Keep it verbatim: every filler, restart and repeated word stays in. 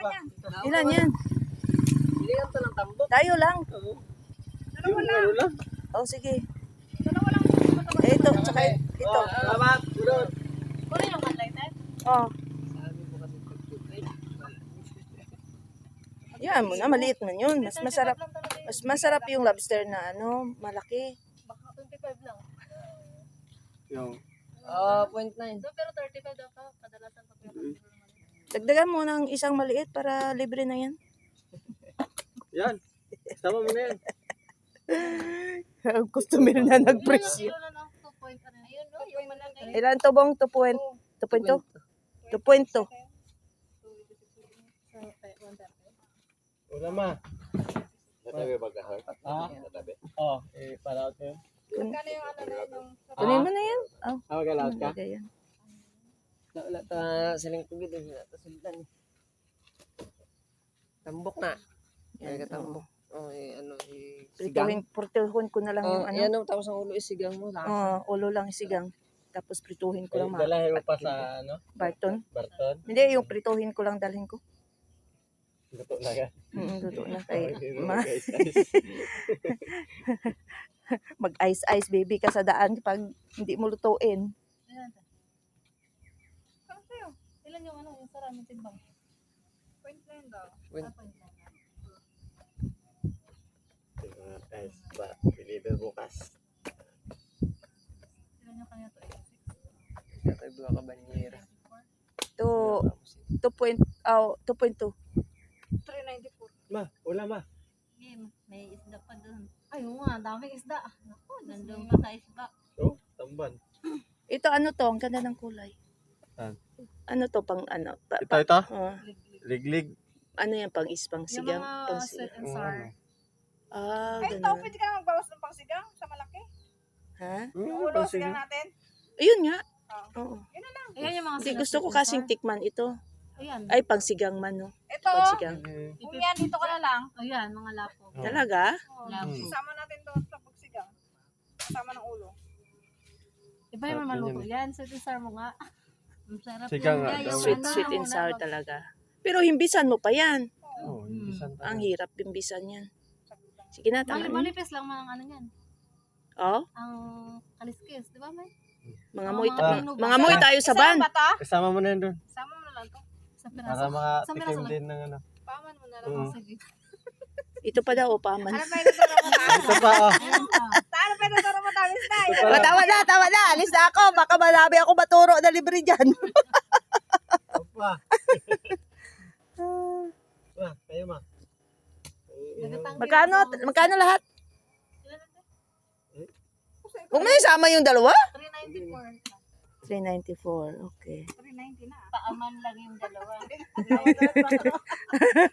Ilan yan? Ilan to ng tambok? Tayo lang. Dalawa lang. Oh, sige. Dalawa lang. Eh, ito, tsaka ito. Oh, salamat. Gulod. Kuno yung unlighted? Oh. Sabi mo kasi pagtutay. Yan mo na, maliit man yun. Mas masarap. Mas masarap yung lobster na ano, malaki. Baka twenty-five lang. Yung. Ah, point nine. So, pero thirty-five daw ka. Kadalasan pag yung Dagdagan mo ng isang maliit para libre na yan. Yan. Sama mo na yan. Ang customer na nag-presyo. Kilo na ng two point ano. Ayun no, yung malaki. Ilan to bong? two point two? two point two. Wala ma. Natabi ba kahon? Ha? Natabi. Oh, eh, para ako yun. Kano yung ano na yung Kunin mo na yan. Oh, Ah, magalaot ka? lagay yan. Wala ta siling tubig din. Wala ta sulitan eh. Tambok na. Ay, katambok. Oh, eh, ano, eh, Prituhin, prituhin ko na lang yung Oh, ano. yan o, tapos ang ulo isigang mo. Oh, ulo lang isigang. Tapos prituhin ko lang mga Dalahin mo pa sa, ano, Barton. Barton. Hindi, yung prituhin ko lang dalhin ko. Luto na yan. Mm, luto na kay ma. Guys, Mag-ice-ice baby ka sa daan pag hindi mo lutuin. Ilan ta? Kano sa'yo? Ilan yung ano, yung sarami timbang? Point nine daw. Point. Ah, point nine. guys, ba, deliver bukas. Ilan yung kanya to? eighty-six? Kaya tayo buha ka banyera. To two point oh, two point two. three ninety-four. Ma, wala ma. Game, may isda pa doon. Ay, oo nga, daming isda. Naku, nandun pa sa isda. Oh, tamban. Ito ano to, ang ganda ng kulay. Saan? Ano to pang ano? Pa, Ito, ito? oh, Liglig. ano yan pang is pang Yung sigang, mga pang sweet sigang. and sour. Ah, Ay, ito, ganun. pwede ka na magbawas ng pangsigang sa malaki. Ha? Yung ulo, sigang natin. Ayun nga. Oo. Oo. Ayan yung mga Hindi sila gusto ko sweet and kasing sour. tikman ito. Ayan. Ay, pang sigang man, no? Ito, Pang sigang. kung yan, dito ka na lang. Ayan, mga lapo. Talaga? Oh, Lapo. Isama natin doon sa pagsigang. Kasama ng ulo. Iba yung maluto yan. Sweet and sour mo nga. Ang sarap Sigang yan. nga Yung daw. Sweet, ano, sweet and yung sour nabag- talaga. Pero himbisan mo pa yan. Oh, imbisan Ang hirap himbisan yan. Sige na, tama. Mali- Manipis lang mga ano yan. Oh, Ang kaliskis, di ba may? mga muy, Ah. mga, mga muy tayo sa van. Isama ba to? Kasama mo na yun doon. Isama mo na lang to. Sa Para piraso. Sa makatikim piraso lang. din ng ano. Paman mo na lang. Mm. Sige. Ito pa daw, paman. Ano pa yung tuturo mo tayo? Ito pa, oh. Ayan pa. Ano pa yung tuturo mo tayo? Miss Nay? Ito pa Oh, lang. tama na, tama na. Alis na ako. Baka marami ako maturo na libre dyan. Ito pa. Ma, kayo ma. Dagatang Magkano? piraso. Magkano lahat? Ilan natin? Huwag mo isama yung dalawa? three ninety-four. three ninety-four. Okay. three ninety na. Paaman lang yung dalawa.